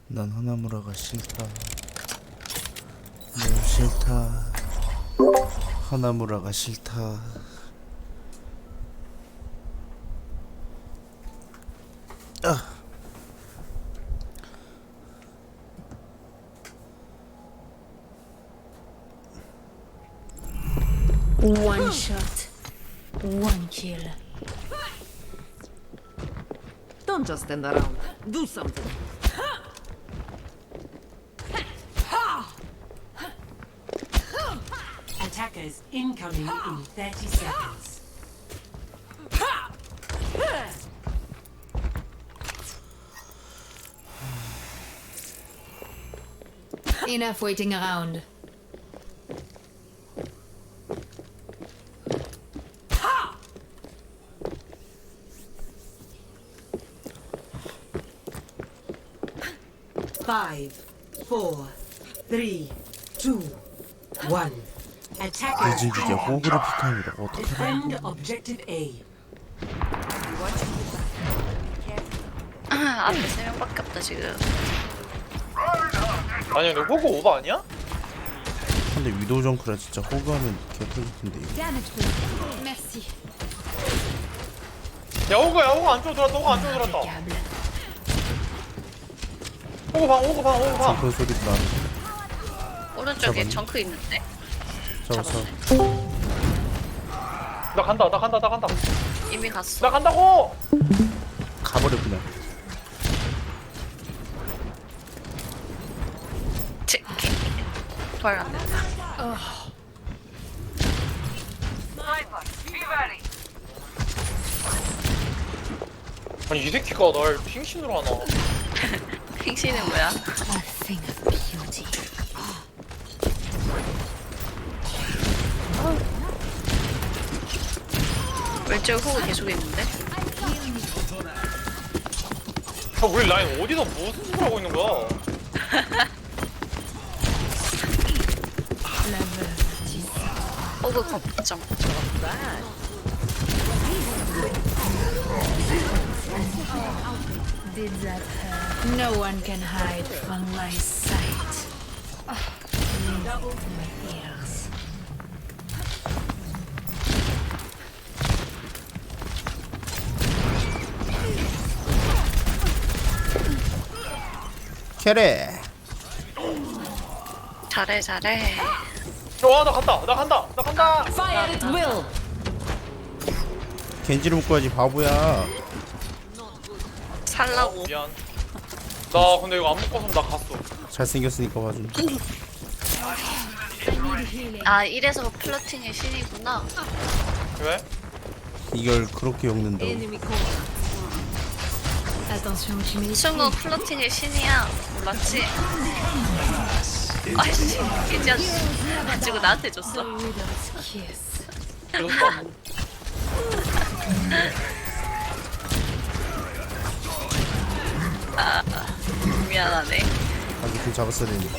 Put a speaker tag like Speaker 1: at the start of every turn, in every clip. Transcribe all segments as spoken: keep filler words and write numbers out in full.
Speaker 1: 난 하나무라가 싫다. 널 싫다. 하나무라가 싫다. 아.
Speaker 2: One shot, one kill.
Speaker 3: Don't just stand around. Do something.
Speaker 4: Attackers incoming in thirty seconds.
Speaker 2: Enough waiting around.
Speaker 4: Five, four, three, two, one. Attackers
Speaker 1: 이제 이게 호그를 피카입니다. 어떻게
Speaker 4: defend objective A.
Speaker 5: 아, 앞에 세 명밖에 없다 지금.
Speaker 6: 아니 근데 호구 오버 아니야?
Speaker 1: 근데 위도우 정크라 진짜 호그하면 개꿀 텐데 이거.
Speaker 2: Damage boost. Merci.
Speaker 6: 야 호구야 호구 안쪽으로 들어왔다 호구 안쪽으로 들어왔다
Speaker 2: Impeccable.
Speaker 6: 호구 방 호구 방 호구 방
Speaker 1: 정크 소리도 나는데.
Speaker 5: 오른쪽에
Speaker 1: 잡았네.
Speaker 5: 정크 있는데.
Speaker 1: 잡았어.
Speaker 6: 나 간다 나 간다 나 간다
Speaker 5: 이미 갔어.
Speaker 6: 나 간다고!
Speaker 1: 가버려 그냥.
Speaker 5: 치. 부활 안 된다.
Speaker 6: 아니 이 새끼가 날 핑신으로 하나
Speaker 5: 핑신은 뭐야?
Speaker 2: A thing of beauty.
Speaker 5: 왼쪽 호구 계속 있는데.
Speaker 6: 야 우리 라인 어디서 무슨 소리 하고 있는 거야?
Speaker 5: 호구 걱정.
Speaker 2: Did that hurt? No one can hide from my sight. Ah, double my ears.
Speaker 1: 캐레.
Speaker 5: 잘해 잘해.
Speaker 6: 와나 간다 나 간다 나 간다
Speaker 3: Fire at will.
Speaker 1: 겐지를 묶어야지 바보야.
Speaker 5: 살라고.
Speaker 6: 미안 나 근데 이거 안 묶었으면 나 갔어
Speaker 1: 잘생겼으니까 봐줘.
Speaker 5: 아 이래서 플러팅의 신이구나.
Speaker 6: 왜?
Speaker 1: 이걸 그렇게 엮는다고.
Speaker 3: Enemy corner.
Speaker 2: Attention, tu m'es
Speaker 5: 승우 플러팅의 신이야. 몰랐지? 아이씨 이제 가지고 나한테 줬어.
Speaker 2: widow's kiss.
Speaker 6: 그랬어?
Speaker 5: 아 미안하네.
Speaker 1: 아주 그 잡았어야 되는데.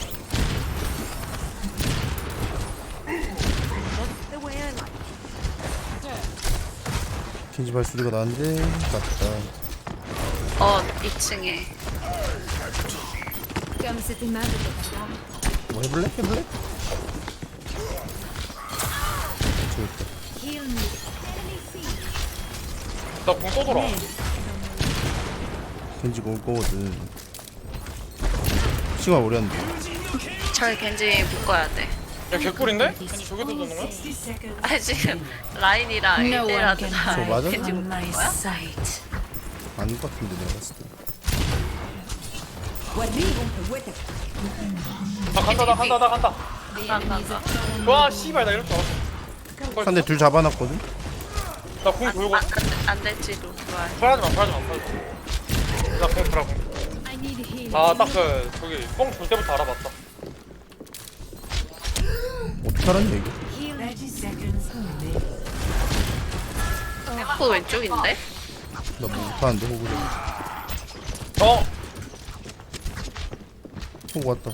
Speaker 1: 겐지 발소리가 나는데 맞다.
Speaker 5: 어 이 층에.
Speaker 2: Comme c'était ma vie.
Speaker 1: 뭐 해볼래? 해볼래? 좋다.
Speaker 2: Heal me.
Speaker 6: 나궁 또 돌아
Speaker 1: 겐지가 올 거거든. 시간 오래 한대.
Speaker 5: 절 겐지 묶어야 돼.
Speaker 6: 야 개꿀인데? 아니 저기도 도는 거야?
Speaker 4: sixty seconds.
Speaker 5: 아 지금 라인이랑
Speaker 2: No one
Speaker 5: 일대일하다
Speaker 2: can
Speaker 1: 저 맞아?
Speaker 2: hide
Speaker 5: 겐지
Speaker 2: from
Speaker 5: 묶는
Speaker 2: my
Speaker 5: 거야?
Speaker 2: sight.
Speaker 1: 아닌 것 같은데 내가 봤을 때.
Speaker 6: 나 간다 나 간다 나 간다
Speaker 5: 간다.
Speaker 6: 와 씨발 나 이럴 줄 알았어
Speaker 1: 상대 둘 잡아놨거든?
Speaker 6: 나궁 돌고
Speaker 5: 안, 안, 안 될지도 좋아해.
Speaker 6: 불하지마 불하지마 불하지마 나궁 돌아
Speaker 2: I need healing.
Speaker 6: 궁아딱 그 저기 뽕 돌 때부터 알아봤다
Speaker 1: 어떻게 알았냐 이거?
Speaker 4: thirty seconds remaining.
Speaker 5: 호구 왼쪽인데?
Speaker 1: 나 뭐 못하는데 호구를.
Speaker 6: 어?
Speaker 1: 호구 왔다.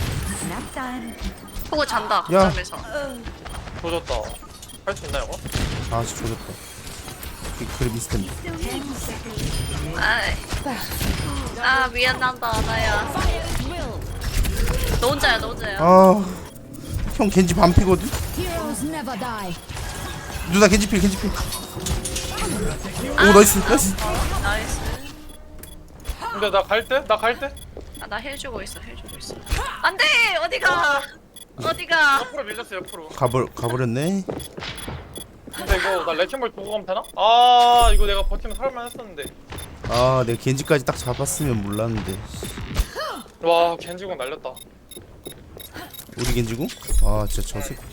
Speaker 5: 호구 잔다
Speaker 1: 야.
Speaker 5: 거점에서.
Speaker 6: 조졌다 할 수 있나 이거?
Speaker 1: 아 진짜 조졌다. 그 그래 비슷한데.
Speaker 5: 아이. 아 미안하다 나야. 너 혼자야 너 혼자야.
Speaker 1: 아형 겐지 반피거든.
Speaker 2: Heroes never die.
Speaker 1: 누나 겐지필 겐지필. 오 나이스 나이스.
Speaker 5: 나이스.
Speaker 6: 근데 나 갈 때? 나 갈 때?
Speaker 5: 아, 나 힐 주고 있어 힐 주고 있어. 안돼 어디가 어디가.
Speaker 6: 옆으로 밀렸어 옆으로.
Speaker 1: 가버 가버렸네.
Speaker 6: 근데 이거 나 레킹볼 보고 가면 되나? 아 이거 내가 버티면 살만 했었는데.
Speaker 1: 아 내가 겐지까지 딱 잡았으면 몰랐는데.
Speaker 6: 와 겐지공 날렸다.
Speaker 1: 우리 겐지고? 아 진짜 저 새끼.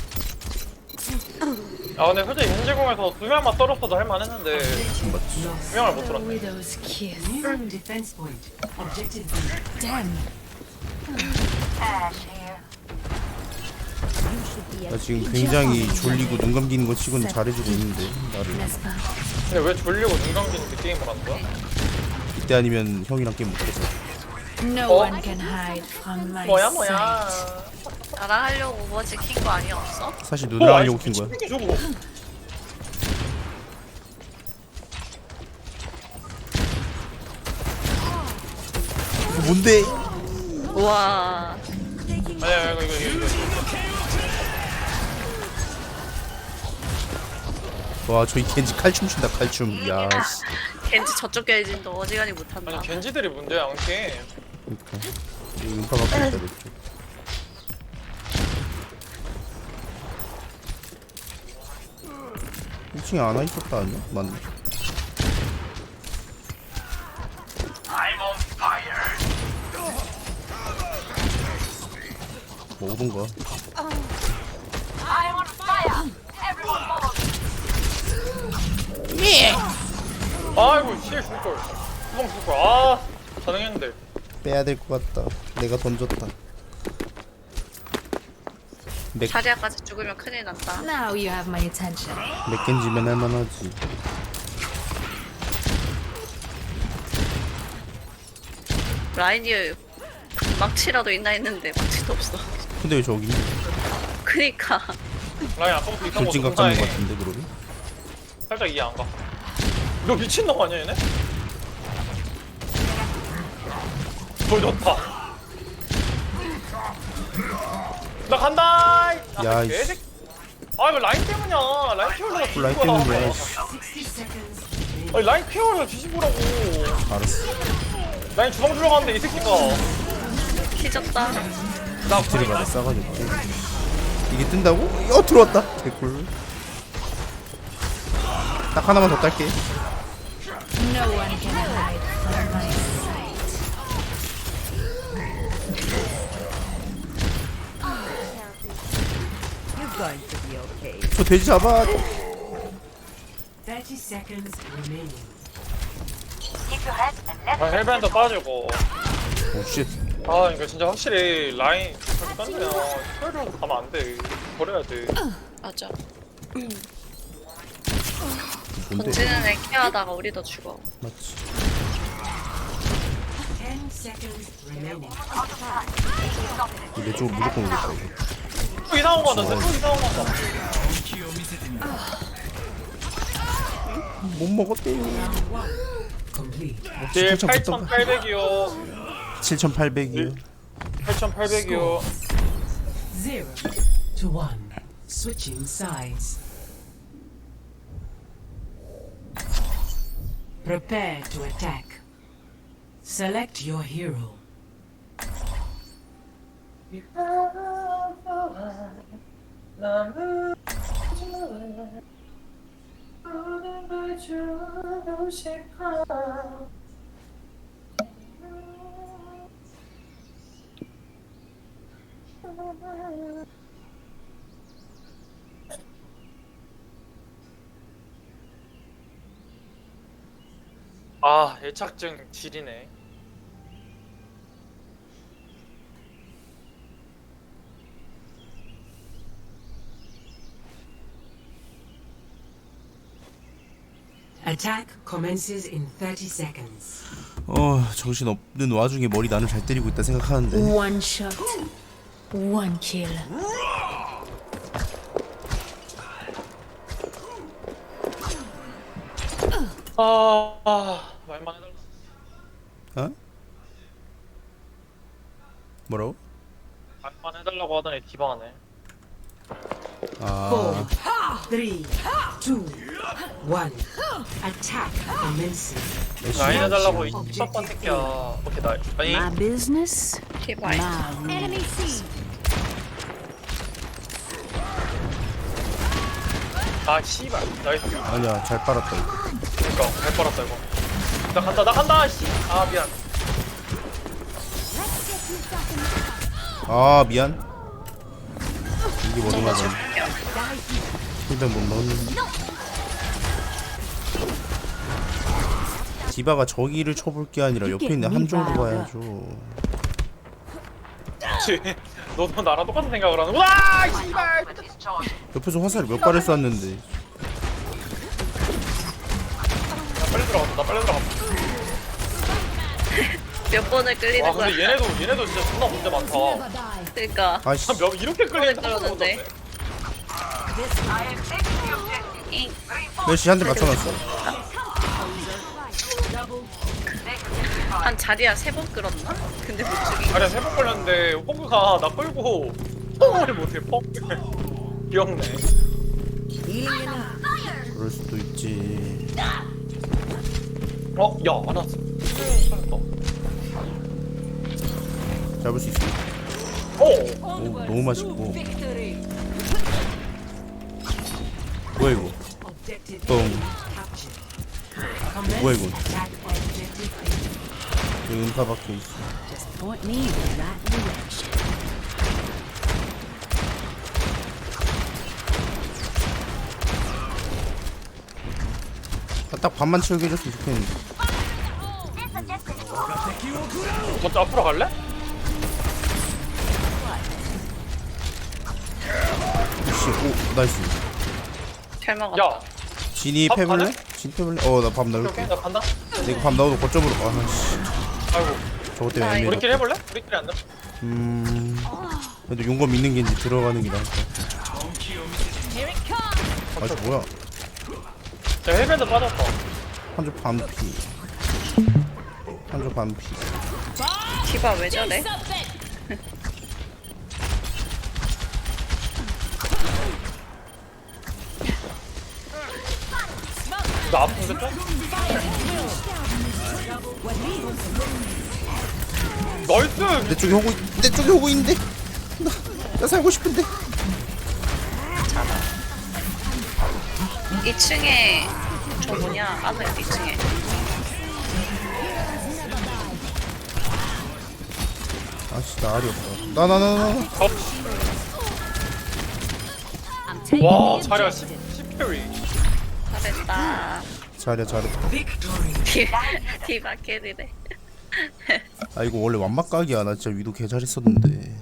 Speaker 6: 아 근데 솔직히 겐지공에서 두 명만 떨었어도 할만했는데
Speaker 1: 맞지.
Speaker 6: 두 명을 못
Speaker 2: The
Speaker 6: 떨었네.
Speaker 2: widow's kiss.
Speaker 4: New defense point. Objective B.
Speaker 2: Damn.
Speaker 1: 나 지금 굉장히 졸리고 눈 감기는 거 치고는 잘해주고 있는데 나를.
Speaker 2: Nespa.
Speaker 6: 근데 왜 졸리고 눈 감기는데 게임을 하는 거야?
Speaker 1: 이때 아니면 형이랑 게임 못해서.
Speaker 2: No
Speaker 6: Oh.
Speaker 2: one can hide from my
Speaker 6: 뭐야
Speaker 2: sight.
Speaker 6: 뭐야.
Speaker 5: 나랑 하려고 오버워치 킨거 아니었어?
Speaker 1: 사실 누나랑 하려고 킨 거야.
Speaker 6: 미친 저거.
Speaker 1: 이거 뭔데?
Speaker 5: 우와
Speaker 6: 아니야 이거 이거 이거. 이거.
Speaker 1: 와 저기 겐지 칼춤 춘다 칼춤. 야 씨.
Speaker 5: 겐지 저쪽 겐지도 어지간히 못한다.
Speaker 6: 아니 겐지들이 문제야 안 게임.
Speaker 1: 그러니까 여기 음파 갖고 있다 내 쪽. 일 층에 안와 있었다 아니야? 맞네. 뭐 오던가.
Speaker 6: 아이고 씨 죽을. 수봉 죽을. 아 가능했는데.
Speaker 1: 빼야 될 것 같다. 내가 던졌다. 맥,
Speaker 5: 자리아까지 죽으면 큰일 난다.
Speaker 2: Now you have my attention.
Speaker 1: 맥겐지면 할만하지.
Speaker 5: 라인이 망치라도 있나 했는데 망치도 없어.
Speaker 1: 근데 왜 저기 있냐?
Speaker 5: 그니까
Speaker 6: 라인 아까부터 이상한
Speaker 1: 돌진
Speaker 6: 거
Speaker 1: 각 잡는 것
Speaker 6: 존나해.
Speaker 1: 같은데 그러면?
Speaker 6: 살짝 이해 안 가. 너 미친놈 아니야 얘네? 돌 좋다. 나 간다. 아,
Speaker 1: 야,
Speaker 6: 개새끼. 아 이거 라인 때문이야. 라인 키워려고 뒤집어.
Speaker 1: 라인 때문이야. 씨.
Speaker 4: sixty seconds remaining.
Speaker 6: 아니 라인 키워려고 뒤집으라고.
Speaker 1: 알았어.
Speaker 6: 라인 주방 들어갔는데 이 새끼가.
Speaker 5: 키졌다.
Speaker 6: 나
Speaker 1: 뒤를 받아 싸가지고. 이게 뜬다고? 어 들어왔다. 개꿀. 딱 하나만 더 딸게.
Speaker 2: No one can hide from my sight.
Speaker 3: You're going to be okay.
Speaker 1: 저 돼지 잡아.
Speaker 4: thirty seconds remaining.
Speaker 6: 아, 헬밴드 빠지고.
Speaker 1: 오 쉣.
Speaker 6: 아 이거 진짜 확실히 라인 저렇게 던지면 스토리로 가면 안 돼. 버려야 돼.
Speaker 5: 맞아.
Speaker 1: 뭔데?
Speaker 5: 던지는 애 케어하다가 우리도 죽어.
Speaker 1: 맞지.
Speaker 4: ten seconds remaining.
Speaker 1: 내 쪽으로 무조건 오겠다 이거.
Speaker 6: 또 이상한 거 같다. 또 이상한 거 같다.
Speaker 1: 못 먹었대요.
Speaker 4: Complete.
Speaker 6: 딜
Speaker 1: 칠천
Speaker 6: 팔천팔백이요.
Speaker 1: 칠천팔백이요.
Speaker 6: 팔천팔백이요.
Speaker 4: Zero to one. Switching sides. Prepare to attack. Select your hero.
Speaker 6: 아 애착증 질이네.
Speaker 4: Attack commences in thirty seconds.
Speaker 1: 어 정신 없는 와중에 머리 나는 잘 때리고 있다 생각하는데.
Speaker 2: One shot. One kill.
Speaker 6: 아, 아 말만 해달라.
Speaker 1: 어? 뭐라고?
Speaker 6: 반만 해달라고 하더니 디바하네.
Speaker 1: 아
Speaker 4: Four, three, two, one. Attack commencing.
Speaker 6: 라인 해달라고 이 섭반 새끼야. 오케이 나 아니
Speaker 7: My business,
Speaker 5: 디바이.
Speaker 7: my rules.
Speaker 2: Enemy C.
Speaker 6: 아 씨발 나이스.
Speaker 1: 아니야 잘 빨았다 이거.
Speaker 6: 그니까 잘 빨았다 이거. 나 간다 나 간다 씨. 아 미안.
Speaker 1: 아 미안. 이게 뭐맞아 힐벤 못 넣었는데. 디바가 저기를 쳐볼 게 아니라 옆에 있는 함정도 봐야죠.
Speaker 6: 그치. 너도 나랑 똑같은 생각을 하는구나. 씨발.
Speaker 1: 옆에서 화살을 몇 발을 쐈는데.
Speaker 6: 나 빨리 들어갔다. 나 빨리 들어갔다.
Speaker 5: 몇 번을 끌리는
Speaker 6: 와
Speaker 5: 거야.
Speaker 6: 근데 얘네도 얘네도 진짜 존나 문제 많다.
Speaker 5: 그러니까.
Speaker 1: 아씨.
Speaker 6: 몇 이렇게 끌리는
Speaker 5: 그러는데. 잉.
Speaker 1: 몇시 한 대 맞춰놨어.
Speaker 5: 한 자리야 세 번 끌었나? 근데 못 죽인.
Speaker 6: 아니야 세번 걸렸는데 호그가 나 끌고 펑을 못해 펑. 귀엽네.
Speaker 1: 그럴 수도 있지.
Speaker 6: 어? 야 안 왔어. 살렸다.
Speaker 1: 잡을 수 있어.
Speaker 6: 오!
Speaker 1: 오 너무 맛있고. 뭐야 이거?
Speaker 4: Objective
Speaker 1: 뻥.
Speaker 4: captured.
Speaker 1: 뭐야 이거?
Speaker 4: Attack objective B.
Speaker 1: 여기 음파 박혀 있어.
Speaker 7: Just point me in the right direction.
Speaker 1: 아, 딱 반만 채우게 해줬으면 좋겠는데.
Speaker 6: 먼저 앞으로 갈래?
Speaker 1: 씨, 오 나이스.
Speaker 5: 잘 먹었다.
Speaker 6: 야
Speaker 1: 진이
Speaker 6: 밥
Speaker 1: 패블레?
Speaker 6: 가네?
Speaker 1: 진 패블레? 어 나 밥
Speaker 6: 오케이
Speaker 1: 넣을게.
Speaker 6: 오케이 나 간다.
Speaker 1: 근데 이거 밥 넣어도 거점으로. 아씨.
Speaker 6: 아이고
Speaker 1: 저것 때문에
Speaker 5: 나
Speaker 1: 애매해.
Speaker 6: 우리끼리 해볼래? 우리끼리 안 돼?
Speaker 1: 음. 그래도 용검 있는 게 이제 들어가는 게 나을까. 아저 뭐야?
Speaker 6: 야 헬멧도 빠졌다.
Speaker 1: 한조 반피. 한조 반피.
Speaker 5: 디바 왜 저래?
Speaker 6: 나 아픈데 좀? 나이스!
Speaker 1: 내 쪽에 오고 있- 내 쪽에 오고 있는데. 나, 나 살고 싶은데.
Speaker 5: 이 층에 저 뭐냐? 안에 이 층에.
Speaker 1: 아씨 나 알이 없다. 나 나 나 나.
Speaker 6: 와 자리가 십 캐리.
Speaker 5: 잘했다.
Speaker 1: 잘해 잘했다.
Speaker 4: Victory.
Speaker 5: 디- 디바 캐리래.
Speaker 1: 아 이거 원래 완막각이야. 나 진짜 위도 개 잘했었는데.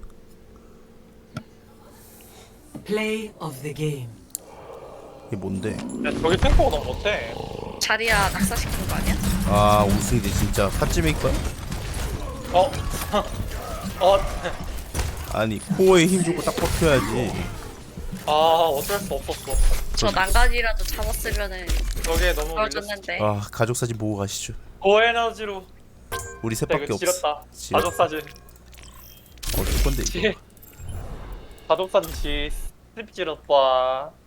Speaker 4: Play of the game.
Speaker 1: 이게 뭔데?
Speaker 6: 야 저기 탱커가 너무 못해.
Speaker 5: 자리야 낙사시킨 거 아니야?
Speaker 1: 아 우승이지 진짜. 팥찜일 거야?
Speaker 6: 어? 어?
Speaker 1: 아니 코어에 힘 주고 딱 버텨야지.
Speaker 6: 아 어쩔 수 없었어.
Speaker 5: 저 난간이라도 잡았으면은
Speaker 6: 저게 너무 밀렸어.
Speaker 5: 떨어졌는데.
Speaker 1: 아 가족 사진 보고 가시죠.
Speaker 6: 고에너지로
Speaker 1: 우리
Speaker 6: 나
Speaker 1: 셋밖에
Speaker 6: 이거
Speaker 1: 없어.
Speaker 6: 지렸다.
Speaker 1: 지렸다.
Speaker 6: 가족 사진.
Speaker 1: 어쩔 건데 이거.
Speaker 6: 지 가족 사진 지 습 지렸다.